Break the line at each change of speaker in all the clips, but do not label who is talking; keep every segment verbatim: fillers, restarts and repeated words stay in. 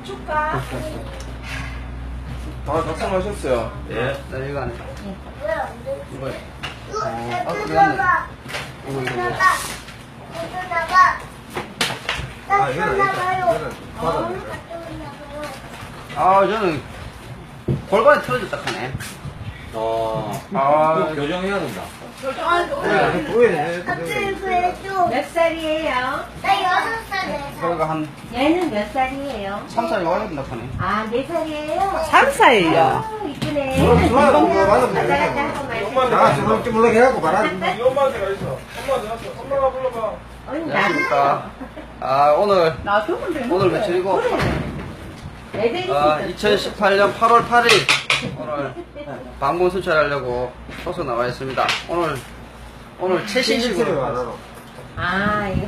줄까?
아, 작성하셨어요?
예.
나 이거 안 해.
왜안 돼?
이거.
이거
아,
이거
그러네.
나가.
이거,
이거
이거.
나가. 이거 나가.
아,
나
이거는
나가요.
이거는
어,
받아야
나가요.
아, 저는 골반이 틀어졌다 하네.
어.
아,
그거 교정해야 된다.
돼. 보여야
갑자기
돼.
그래도
몇 살이에요?
나 여섯 살에
그러니까 한
얘는 몇 살이에요?
삼 살이 와야 된다 하네.
아, 네 살이에요?
삼 살이요.
아, 이쁘네.
좋아, 좋아, 좋아, 맞아,
왔다 갔다 하고 말씀.
아, 주먹 주물럭 해갖고 말아.
이 엄마한테 가 있어. 엄마한테 갔어. 엄마가 불러봐.
어이,
안녕하십니까. 아, 오늘,
놔두면 되는
오늘
거예요.
며칠이고?
애들이
아,
있었죠.
이천십팔 년 팔월 팔일 오늘 방문 순찰하려고 소서 나와 있습니다. 오늘 오늘 최신식으로
아, 이거.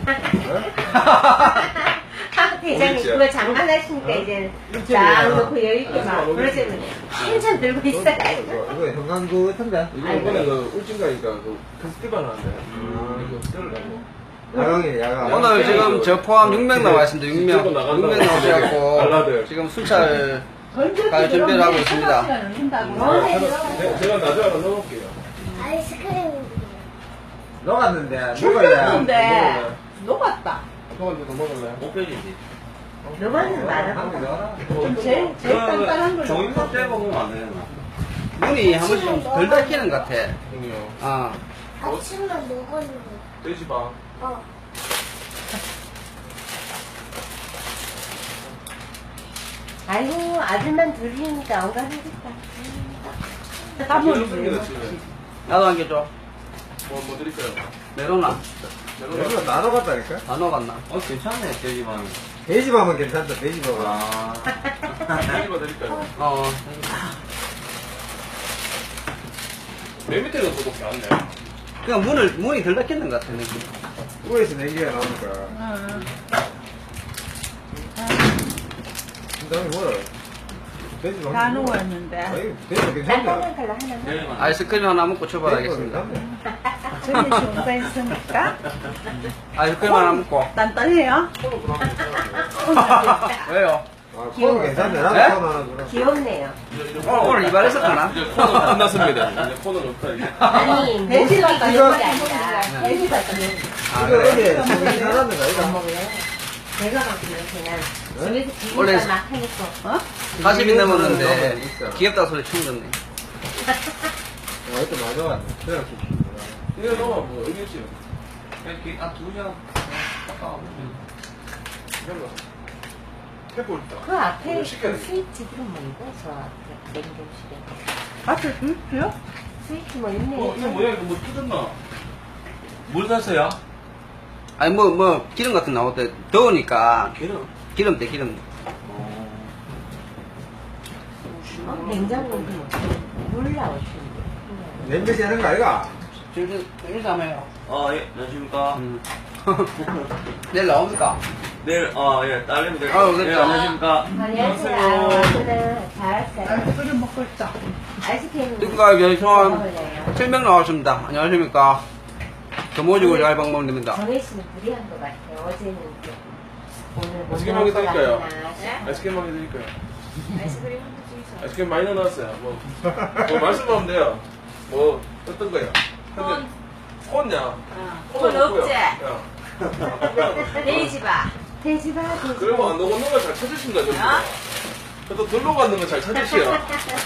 아, 대장님,
어딨지?
그거 장난하시니까 이제 쫙 놓고 여유있게 막 그러시면 한참 들고 있어요.
이거 형광구 탕자.
이거 이번에 그 울진가니까 그 페스티벌 하는데 이거 들으려고.
야광이 야광.
오늘 지금 저 포함 육 명 나와 있습니다. 육 명. 육 명 나오셔갖고 지금 순찰 갈 준비를 하고 있습니다.
있습니다.
제가 나중에 하나 넣어볼게요.
아이스크림.
녹았는데 먹을래.
근데 녹았다.
소원이도 먹을래?
못 빼지지.
너만은 많아.
좀 제일 제일 단단한 걸
종이컵
넣어서.
떼 먹으면 안 되나?
눈이 한 번씩 좀 덜 닦이는 것 같아.
형이요.
아,
아침만 먹었는데.
떼지 마.
어.
아이고, 아들만 둘이니까 엉간하겠다.
땀
이런
흘리지.
거 지금.
나도 한 개 줘.
뭐, 뭐 드릴까요?
메로나.
이거 다 녹았다니까?
다 녹았나?
어, 괜찮네, 돼지만.
돼지밥은 괜찮다. 돼지밥은.
아.
드리고 드릴까요?
어.
맨 밑에는 소독이 안 돼.
그냥 문을, 문이 덜 닫히는 것 같아, 느낌.
위에서 냉기가 나오니까.
응.
그다음에 뭐라? 돼지밥.
다 녹았는데.
아니, 돼지밥
딴딴한
괜찮네.
걸로 하나.
돼지만.
아이스크림 하나 먹고
돼지밥
출발하겠습니다.
괜찮네.
저기 좋은가 있으니까.
아이스크림 하나 먹고.
단단해요?
왜요?
아, 코는 괜찮네. 나도
네?
코는 하나 주라.
귀엽네요.
오늘, 오늘 이발해서 가나?
이제 코는 끝났습니다. 이제 코는 없다, 이제.
아니,
돼지
모습이
같다.
귀여운 게 아니라.
돼지 같다.
아,
이거
그래.
어디 정신 나갔는 거 이거?
내가 막 그냥
네?
집에서
원래
비빔밥 막 하니까. 어?
사십이
너무
넘었는데,
있어.
귀엽다 소리 충 줬네.
아, 이것도 맞아 왔네. 그래,
이거 넣어, 뭐, 여기 있지.
이렇게, 아, 두 장. 아까워.
이런 거. 해볼 있다.
그 앞에
오늘
그
시켜야 돼.
스위치들은 뭐이고? 저 앞에 냉동실에.
앞에 불표요?
스위치 뭐 있네.
어, 이거 뭐야, 이거 뭐 뜯었나? 뭘 샀어요?
아니, 뭐, 뭐, 기름 같은 거 나올 때 더우니까.
기름.
기름때, 기름.
어.
어? 냉장고에 물 나올 텐데.
냄새 하는 거 아이가?
지금, 일도 안 해요.
아, 예, 안녕하십니까.
음. 내일 나옵니까?
내일, 아, 예, 딸내미 될
아유,
예,
됐다.
안녕하십니까.
안녕하세요. 아무튼 잘했어요.
아이스크림 먹고 있자.
아이스크림
누가 여기 총
먹을래요?
칠 명 나왔습니다. 안녕하십니까. 더 모시고 잘 방문 됩니다.
정혜 씨는 무리한 것 같아요. 어제는 좀 오늘 못
아이스크림
나올
하게
것
드릴까요?
같구나.
아이스크림 하게 드릴까요?
아이스크림 한 개 주세요.
아이스크림 많이 넣어놨어요. 뭐, 뭐 말씀하면 돼요. 뭐, 어떤 거야? 콘. 콘냐?
콘 없지?
야.
돼지바. 돼지바, 돼지바.
그러면 안 녹는 걸 잘 찾으신다, 저기. 그래도 덜 녹았는 걸 잘 찾으시오.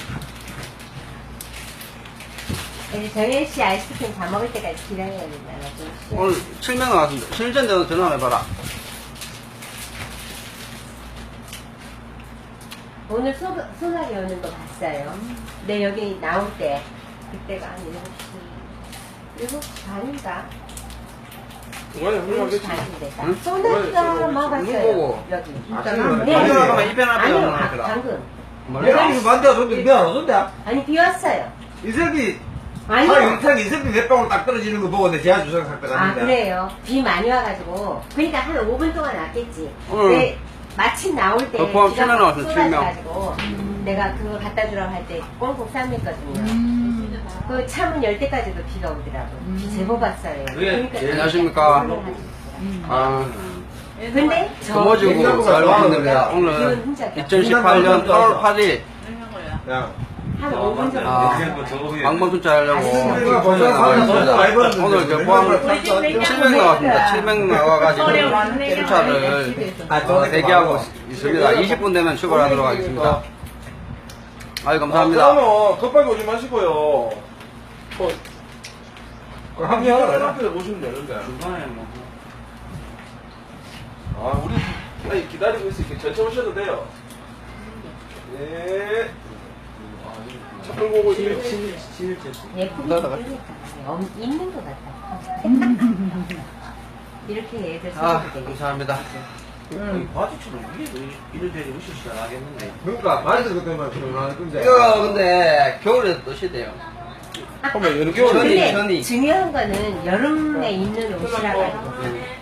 이제 정혜 씨 아이스크림 다 먹을 때까지 기다려야 된다. 좀 쉬어.
오늘 칠 명 나왔습니다. 실전대원 전화 한번 해봐라.
오늘 소, 소나기 오는 거 봤어요. 근데 여기 나올 때 그때가 한 일곱 시 일곱 시 반인가?
중간에
일곱 시
훌륭하겠지.
반인데 딱
응?
소나기가
뭐,
막
누구
왔어요.
보고?
여기.
아침에
네.
아니, 잠깐만, 이편 앞에
아니요,
오는
아,
거더라.
방금.
내가 이거 만대가 줬는데 미안 안 줬대?
아니 비 왔어요.
이슬비
아니요.
하 영탁 이슬비 몇 방울 딱 떨어지는 거 보고 내 제가 주상 샀다
아
갔는데.
그래요. 비 많이 와가지고 그러니까 한 오 분 동안 왔겠지.
응.
근데 마침 나올 때
어, 포함
비가
칠 명
막
나왔어요, 칠 명.
쏟아져가지고 내가 그거 갖다 주라고 할 때 꽁꽁 싸맸거든요. 그 차문 열 때까지도 비가 오더라고. 비 제법 왔어요.
그게
그러니까
제일
안녕하십니까.
그걸 가지고 있더라고요.
아,
근데 저
금오지구 자유방문입니다. 오늘 이천십팔 년 팔월 팔일
야.
한 오 분 정도
아,
됐어요.
방문 순찰하려고
우리가 벌써
나와 있습니다.
많이 벌었는데
오늘 저 포항 칠백 나왔습니다. 칠백 나와가지고 순찰을 어, 대기하고 있습니다. 이십 분 되면 출발하도록 하겠습니다. 아유, 감사합니다.
아, 그러면 급하게 오지 마시고요.
그
한
한개
개
하나
앞에 오시면 되는데.
중간에 뭐.
아, 우리 아니, 기다리고 있으니까 천천히 오셔도 돼요. 예. 차 끌고 오고 있어요.
예쁘게 쓰니까 엄- 있는 것 같다. 이렇게 애들
아,
써도 되겠다.
감사합니다.
바지처럼 위에도 이런 데를 오시지 않겠는데.
그러니까 말도 그때만 들어가는 건데.
이거 근데 겨울에 또 시대요.
그러면 여느
겨울에
근데
천이.
중요한 거는 여름에 입는 옷이라 가지고.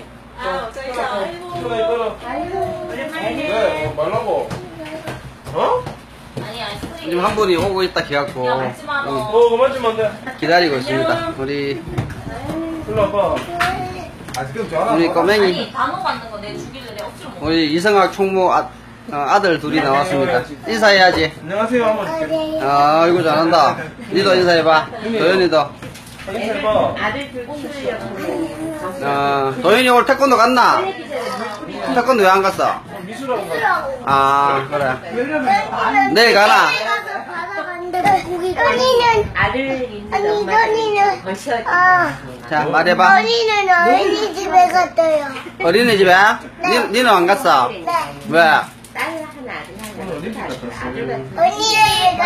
천천히 떨어. 네, 뭐 말라고. 어?
지금 한 분이 오고 있다 기갖고 응,
어, 그만 좀 안 돼.
기다리고 있습니다. 우리
일로 와봐.
아직은 좋아.
우리 꼬맹이
아니 단어 받는 거 내 주길래 내 억지로 못
우리 이성학 총무 아, 어, 아들 둘이 나왔습니다. 인사해야지.
안녕하세요. 한번 줄게.
아, 아이고 잘한다. 니도 인사해봐. 도현이도.
인사해봐.
아들 둘 키우려고.
어, 도현이 오늘 태권도 갔나? 태권도 왜 안 갔어?
미술하고 가.
아, 그래. 내일 가나?
가서 받아갔는데 고기가 언니는
아들 있는
아니,
엄마들이
이거는-
거시어
아.
자, 말해봐.
언니는 어린이집에 갔어요.
어린이집에? 니, 니는 안 갔어? 왜?
딸 하나, 아들 하나. 아들 같은
언니는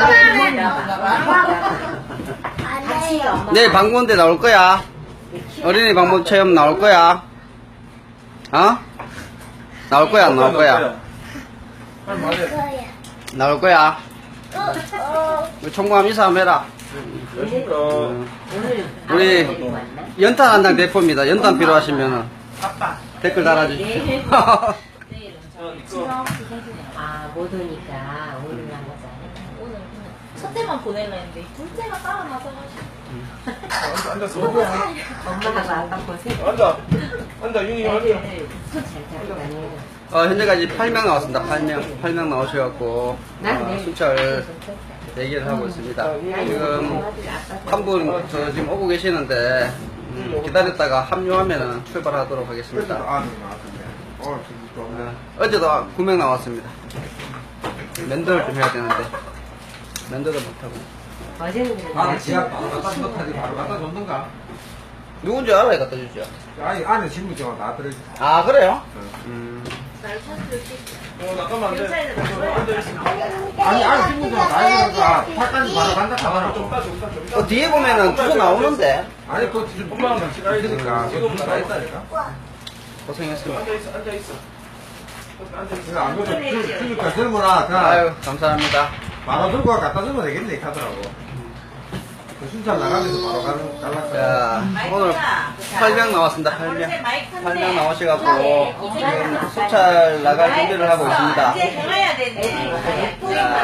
같이
처음에
엄마.
내일 방문대 나올 거야. 어린이 방문 체험 나올 거야. 어? 나올 거야, 안 나올 거야?
빨리 말해.
거야.
나올 거야. 우리 총무함 인사 한번 해라.
안녕하십니까.
오늘
우리
아빠 데리고 왔나?
연탄 한 장 대포입니다. 연탄 필요하시면은 댓글 달아주십시오.
내일은
어,
저
이거.
아, 못 오니까 오늘 안 가자.
오늘 그냥 첫째만 보내려 했는데 둘째가 따라 나서가지고
앉아, 앉았어.
엄마하고 아빠 고생.
앉아. 앉아, 윤희 앉아.
손잘 잡고 다니고.
어, 현재까지 팔 명 나왔습니다. 팔 명. 팔 명 나오셔갖고, 어, 순찰 대기를 하고 있습니다. 지금 한 분 저 지금 오고 계시는데, 음, 기다렸다가 합류하면은 출발하도록 하겠습니다.
아는 나왔던데. 오늘 진짜 좋네.
어, 어제도 구 명 나왔습니다. 면도를 좀 해야 되는데, 면도도 못하고.
어제는
나는 지압 바로 갖다 줬다지 바로 갖다 줬는가?
누군지 알아야 갖다 주죠.
아니 안에 신분증은 다 들어있어.
아, 그래요? 음.
어, 잠깐만 안 돼. 앉아있어.
아니 안에 신분증은 다 있으니까 팔까지 바로 간다 하잖아.
좀 따, 좀 따, 좀 따.
어, 뒤에 보면은 주소 나오는데,
아니 그거 지금
엄마랑 같이 가야
있으니까
지금
그거 다 있다니까.
고생했습니다.
앉아있어, 앉아있어. 앉아있어.
그거 안 그래도 주- 주니까 젊어라. 자
아유, 감사합니다.
바로 들고 와 갖다 주면 되겠네 하더라고. 그 순찰 나가면서 바로 가는 갈랐어.
자, 오늘 팔 명 나왔습니다. 팔 명. 팔 명 나오셔갖고, 지금 수찰 나갈 준비를 하고 있습니다.
이제 해야 되네.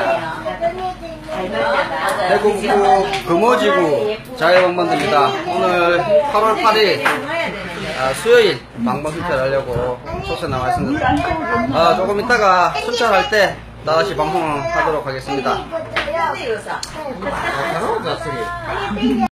자, 대구구 금오지구 자유방문입니다. 오늘 팔월 팔일 아, 수요일 방문 순찰하려고 소세 나와 있습니다. 아, 조금 이따가 순찰할 때 다시 방송을 하도록 하겠습니다.
이거 줘요.
근데 요사.
아, 잘하고 잤어.